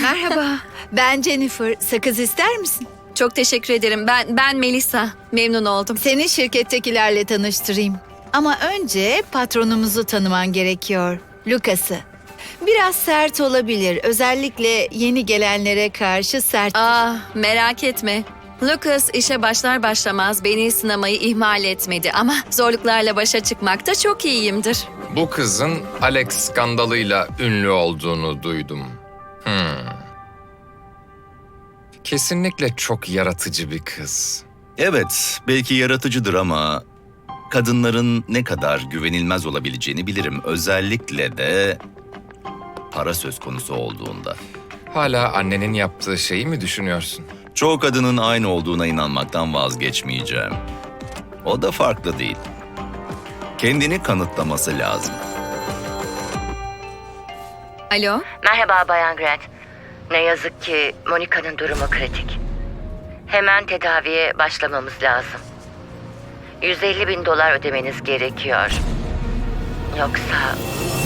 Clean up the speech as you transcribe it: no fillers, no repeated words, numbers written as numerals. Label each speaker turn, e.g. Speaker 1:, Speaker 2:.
Speaker 1: Merhaba, ben Jennifer. Sakız ister misin?
Speaker 2: Çok teşekkür ederim. Ben Melissa. Memnun oldum.
Speaker 1: Seni şirkettekilerle tanıştırayım. Ama önce patronumuzu tanıman gerekiyor, Lucas'ı. Biraz sert olabilir, özellikle yeni gelenlere karşı sert.
Speaker 2: Merak etme. Lucas işe başlar başlamaz beni sınamayı ihmal etmedi ama zorluklarla başa çıkmakta çok iyiyimdir.
Speaker 3: Bu kızın Alex skandalıyla ünlü olduğunu duydum. Kesinlikle çok yaratıcı bir kız.
Speaker 4: Evet, belki yaratıcıdır ama kadınların ne kadar güvenilmez olabileceğini bilirim. Özellikle de para söz konusu olduğunda.
Speaker 3: Hala annenin yaptığı şeyi mi düşünüyorsun?
Speaker 4: Çoğu kadının aynı olduğuna inanmaktan vazgeçmeyeceğim. O da farklı değil. Kendini kanıtlaması lazım.
Speaker 2: Alo?
Speaker 5: Merhaba Bayan Grant. Ne yazık ki Monica'nın durumu kritik. Hemen tedaviye başlamamız lazım. 150.000 dolar ödemeniz gerekiyor. Yoksa